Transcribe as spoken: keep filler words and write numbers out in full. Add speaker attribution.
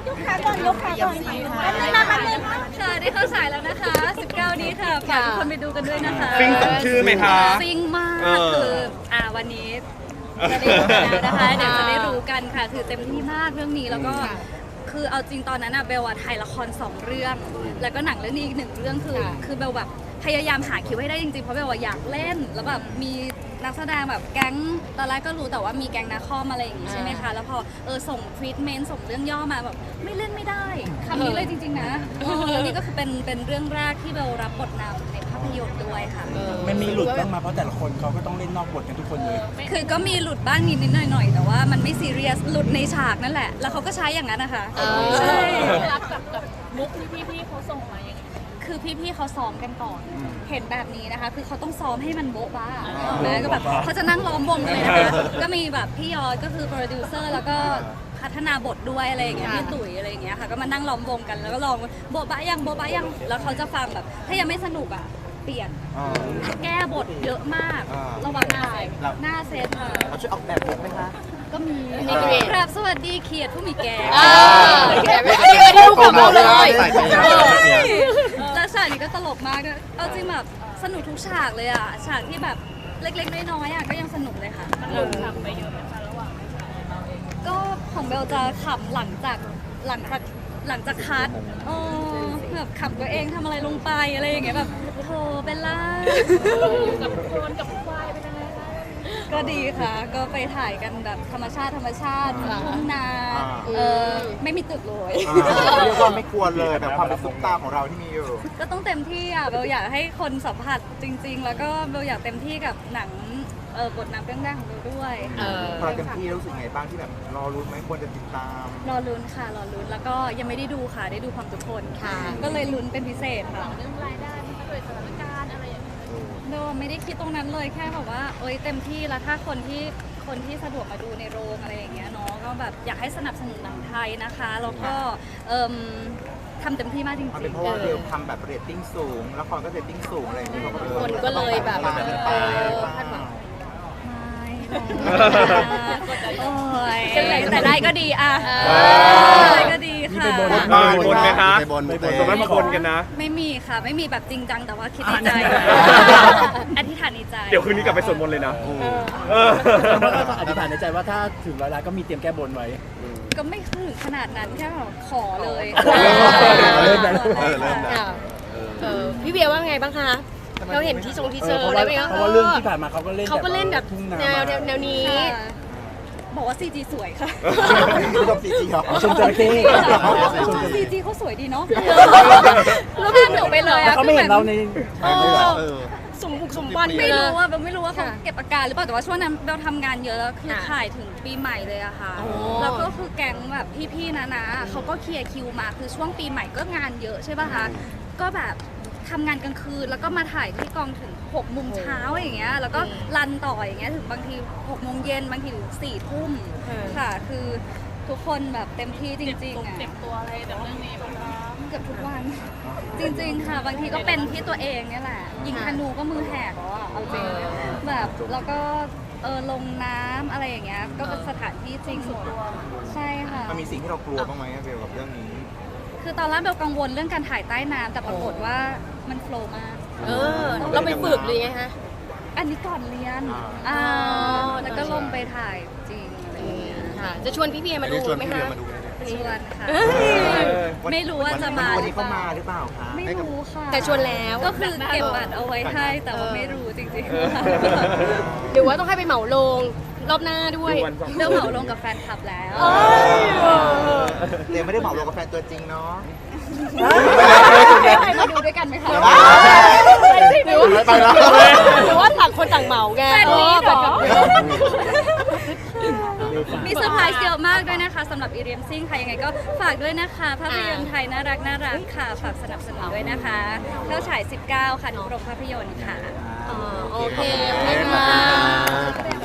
Speaker 1: ยกขาก่อนยกขาก่อนอันนี้มาอันนี้ค่ะ
Speaker 2: ค่ะได้เข้าฉายแล้วนะคะ สิบเก้า นี้ค่ะฝากทุกคนไปดูกันด้วยนะคะ
Speaker 3: ฟิงสมชื่อไหมคะ
Speaker 2: ฟิงมาก
Speaker 3: เออ
Speaker 2: คืออ่าวันนี้จะได้ดูกันแล้วนะคะเดี๋ยวจะได้รู้กันค่ะคือเต็มที่มากเรื่องนี้แล้วก็คือเอาจริงตอนนั้นอะเบลอะถ่ายละครสองเรื่อง แล้วก็หนังเรื่องนี้อีกหนึ่งเรื่องคือคือเบลแบบพยายามหาคิวให้ได้จริงๆเพราะเบลว่าอยากเล่นแล้วแบบมีนักแสดงแบบแก๊งตอนแรกก็รู้แต่ว่ามีแก๊งนาคอมอะไรอย่างงี้ใช่ไหมคะแล้วพอเออส่งทรีทเมนต์ส่งเรื่องย่อมาแบบไม่เล่นไม่ได้คำนี้เลยจริงๆนะเออแล้วนี่ก็คือเป็นเป็นเรื่องแรกที่เบลรับบทนำในภาพยนตร์ด้วยค่ะ
Speaker 4: มันมีหลุดบ้างมาเพราะแต่ละคนเขาก็ต้องเล่นนอกบทกันทุกคนเลย
Speaker 2: คือก็มีหลุดบ้างนิดนิดหน่อยหน่อยๆแต่ว่ามันไม่ซีเรียสหลุดในฉากนั่นแหละ แล้วเขาก็ใช้อย่างนั้นนะคะใช่
Speaker 1: รับกับกับมุกที่พี่ๆเขาส่งมาอย่างนี้
Speaker 2: คือพี่ๆเขาซ้อมกันก่อน เห็นแบบนี้นะคะ คือเขาต้องซ้อมให้มันโบ๊ะบ้านะก็แบบเขาจะนั่งล้อมวงกันเลยนะคะก็มีแบบพี่ยอดก็คือโปรดิวเซอร์แล้วก็พัฒนาบทด้วยอะไรอย่างเงี้ยพี่ตุ๋ยอะไรอย่างเงี้ยค่ะก็มานั่งล้อมวงกันแล้วก็ลองโบ๊ะบ้ายังโบ๊ะบ้ายังแล้วเขาจะฟังแบบถ้ายังไม่สนุกอ่ะเปลี่ยนแก้บทเยอะมากระหว่างถ่ายหน้าเซตค่ะ
Speaker 5: เราช่วยออกแบบบทไหมคะ
Speaker 2: ก็มี
Speaker 1: นี่ก็มี
Speaker 2: ครับสวัสดีเขียดผู้มีแก่
Speaker 1: อ่าแกไม่ได้ไม่ได้ดูกับเราเลย
Speaker 2: แล้วฉากนี้ก็ตลกมากด้วยเอาจริงแบบสนุกทุกฉากเลยอ่ะ ฉากที่แบบเล็กๆน้อยๆอ่ะก็ยังสนุกเลยค่ะ
Speaker 1: มันหลุดขำไปเยอะไหมคะระหว่าง
Speaker 2: ก็ของเบลจะขำหลังจากหลังจากหลังจากคัดเออแบบขำตัวเองทำอะไรลงไปอะไรอย่างเงี้ยแบบโธ่เบลล่า
Speaker 1: อยู่กับโคลนกับควายเป็นยังไงคะ
Speaker 2: ก็ดีค่ะ ก็ไปถ่ายกันแบบธรรมชาติธรรมชาติทุ่งนาเออไม่มีตึกเลย
Speaker 5: เรียกว่าไม่ควรเลยแบบความเป็นซุปตาของเราที่มีอยู่
Speaker 2: ก็ต้องเต็มที่อ่ะเบลอยากให้คนสัมผัสจริง ๆ แล้วก็เบลอยากเต็มที่กับหนังเออบทนำเรื่องแรกของเบลด้วย
Speaker 5: พอเราเต็มที่รู้สึกไงบ้างที่แบบรอรุ้นไหมควรจะติดตาม
Speaker 2: รอลุ้นค่ะรอลุ้นแล้วก็ยังไม่ได้ดูค่ะได้ดูความทุกคนค่ะ ก็เลยลุ้นเป็นพิเศษค่ะ
Speaker 1: เรื่องรายได้มันก็โดยสถานการณ์อะไรอย่างเงี้ย
Speaker 2: เบลไม่ได้คิดตรงนั้นเลยแค่แบบว่าเอ้ยเต็มที่แล้วถ้าคนที่คนที่สะดวกมาดูในโรงอะไรอย่างเงี้ยเนาะก็แบบอยากให้สนับสนุนหนังไทยนะคะแล้วก็เอิ่มทำเต็มที่มากจริง
Speaker 5: มันเป็นเพราะว่าเรียวทำแบบเรตติ้งสูงละครก็เรตติ้งสูงอะไรอย่างเงี้ย
Speaker 1: คนก็เลยแบบ
Speaker 5: มาเป็นไป
Speaker 1: คาดหวัง
Speaker 2: ๆไม่หรอกโอ้ยแต่ได้ก็ดีอะได้ก็ดีค่ะ
Speaker 3: มาบนไหมคะ
Speaker 5: ไปบน
Speaker 3: ไปบนตรงนั้นมาบนกันนะ
Speaker 2: ไม่มีค่ะ ไม่มีแบบจริงจังแต่ว่าคิดในใจ อธิษฐานในใจ
Speaker 3: เดี๋ยวคืนนี้กลับไปสวดมนต์เลยนะเออ
Speaker 4: อธิษฐานในใจว่าถ้าถึงร้อยล้านก็มีเตรียมแก้บนไว้
Speaker 2: ก็ไม่ถึงขนาดนั้นแค่แบบขอเลย
Speaker 4: เริ่มแล้ว
Speaker 5: เออเริ่มแล้ว
Speaker 1: เออพี่เบียร์ว่าไงบ้างคะเราเห็นที่ทรงที่เจอ
Speaker 4: เพราะ
Speaker 1: ได้
Speaker 4: ว่า
Speaker 1: ไหมคะ
Speaker 4: เพราะว่าเรื่องที่ผ่านมาเขาก็เล่น
Speaker 1: เขาก็เล่นแบบ
Speaker 4: ทุ่งนา
Speaker 1: แนวแนวนี้
Speaker 2: ค่ะบอกว่า ซี จี สวยค่ะ
Speaker 5: ไม่ต้องซีจีหรอ
Speaker 4: ชมจระเข้ชมจระ
Speaker 2: ซี
Speaker 4: เข้
Speaker 2: จีเขาสวยดีเนาะ
Speaker 1: แล้วพี่หนูไปเลย
Speaker 4: แล้ว
Speaker 1: อะ
Speaker 4: เขาไม่เห็นเราในถ่ายไม่เหรอ
Speaker 5: เออ
Speaker 1: สมบุกสมบันไป
Speaker 2: ไม่
Speaker 1: เลย
Speaker 2: รู้ว่าเบลไม่รู้ว่าเขา
Speaker 1: ค่ะ
Speaker 2: เก็บอาการหรือเปล่าแต่ว่าช่วงนั้นเบลทำงานเยอะแล้วคือ
Speaker 1: ค่ะ
Speaker 2: ถ่ายถึงปีใหม่เลยอะค่ะ
Speaker 1: โอ้
Speaker 2: แล้วก็คือแก๊งแบบพี่ๆนะนะเขาก็เคลียร์คิวมาคือช่วงปีใหม่ก็งานเยอะใช่ป่ะคะก็แบบทำงานกลางคืนแล้วก็มาถ่ายที่กองถึงหกโมงเช้าอย่างเงี้ยแล้วก็รันต่ออย่างเงี้ยถึงบางทีหกโมงเย็นบางทีถึงสี่ทุ่มค่ะคือทุกคนแบบเต็มที่จริงๆอะ
Speaker 1: เจ็บตัวอะไรแบบเรื่องนี้บ้างคะ
Speaker 2: เกือบทุกวัน จริงๆค่ะ บางทีก็เป็นที่ตัวเองเนี่ยแหละ ยิงธนูก็มือแหกแล้วอะเอาจริงแบบแล้วก็เออลงน้ำอะไรอย่างเงี้ยก็เป็นสถานที่จริงใช่ค่ะ
Speaker 5: มันมีสิ่งที่เรากลัวบ้างไหมเบลกับเรื่องนี้
Speaker 2: คือตอนแรกเบลกังวลเรื่องการถ่ายใต้น้ำแต่ปรากฏว่ามันโฟลว์มาก
Speaker 1: เออเราไปฝึกหรือไงคะ
Speaker 2: อันนี้ก่อนเรียน
Speaker 5: อ่า
Speaker 2: อ่า
Speaker 1: อ๋อ
Speaker 2: แล้วก็ลงไปถ่ายจริงอะไรอย่างเงี้ย
Speaker 1: ค่ะจะชวนพี่เบียร์มาดูไหมคะ
Speaker 2: ชวนค่ะ ไม่รู้ว่าจะมา
Speaker 5: วันนี้เขามาหรือเปล่าคะ
Speaker 2: ไม่รู้ค่ะ
Speaker 1: แต่ชวนแล้ว
Speaker 2: ก็คือเก็บบัตรเอาไว้ให้แต่ว่าไม่รู้จริงๆค่ะ
Speaker 1: หรือว่าต้องให้ไปเหมาโรงรอบหน้าด้วย
Speaker 3: ดูวันสอง
Speaker 2: เรื่องเหมาลงกับแฟนคลับแล้ว
Speaker 5: เดี๋ยวไม่ได้เหมาลงกับแฟนตัวจริงเนาะ
Speaker 2: ให้มาดูด้วยกันไหมคะ
Speaker 1: หรือว่า
Speaker 5: ไปแล้ว
Speaker 1: หรือว่าต่างคนต่างเหมาไง
Speaker 2: แฟนนี้เหรอ
Speaker 1: เออ
Speaker 2: มีเซอร์ไพรส์เยอะมากด้วยนะคะสำหรับอีเรียมซิ่งค่ะยังไงก็ฝากด้วยนะคะภาพยนตร์ไทยน่ารักน่ารักค่ะฝากสนับสนุนด้วยนะคะเข้าฉาย สิบเก้า ค่ะทุกโรงภาพยนตร์ค่ะ
Speaker 1: อ๋อโอเคขอบคุณค่ะ